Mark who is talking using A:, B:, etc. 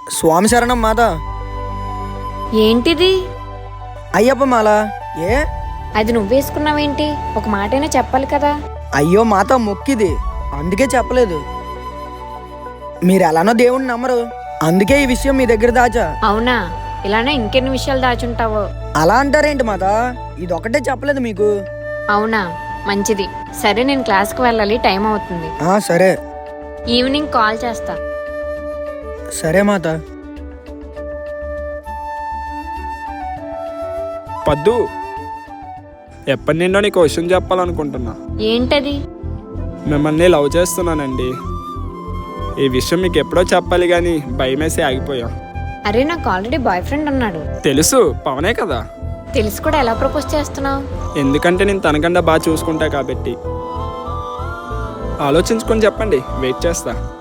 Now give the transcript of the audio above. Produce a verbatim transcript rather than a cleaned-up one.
A: స్వామి శరణం మాత.
B: ఏంటిది?
A: అయ్యప్ప మాల. ఏ
B: అది నువ్వేసుకున్నావేంటి? ఒక మాటైనా చెప్పాలి కదా.
A: అయ్యో మాత, మొక్కిది, అందుకే చెప్పలేదు. మీరు ఎలానో దేవుణ్ణి నమ్మరు, అందుకే ఈ విషయం మీ దగ్గర దాచా.
B: అవునా? ఇలానే ఇంకెన్ని విషయాలు దాచుంటావో.
A: అలా అంటారేంటి మాత? ఇదొకటే చెప్పలేదు మీకు.
B: అవునా, మంచిది. సరే, నేను క్లాస్కి వెళ్ళాలి, టైం అవుతుంది.
A: ఆ సరే.
B: ఈవినింగ్ కాల్ చేస్తా.
A: సరే మాత.
C: పద్దు, ఎప్పటి నిండో నీకు విషయం చెప్పాలనుకుంటున్నా.
B: ఏంటది?
C: మిమ్మల్ని లవ్ చేస్తున్నానండి. ఈ విషయం మీకు ఎప్పుడో చెప్పాలి కానీ భయమేసి ఆగిపోయా.
B: అరే, నాకు ఆల్రెడీ బాయ్ ఫ్రెండ్ ఉన్నాడు.
C: తెలుసు, పవనే కదా.
B: తెలిసి కూడా ఎలా ప్రపోజ్ చేస్తున్నావు?
C: ఎందుకంటే నేను తనకన్నా బాగా చూసుకుంటా కాబట్టి. ఆలోచించుకొని చెప్పండి, వెయిట్ చేస్తా.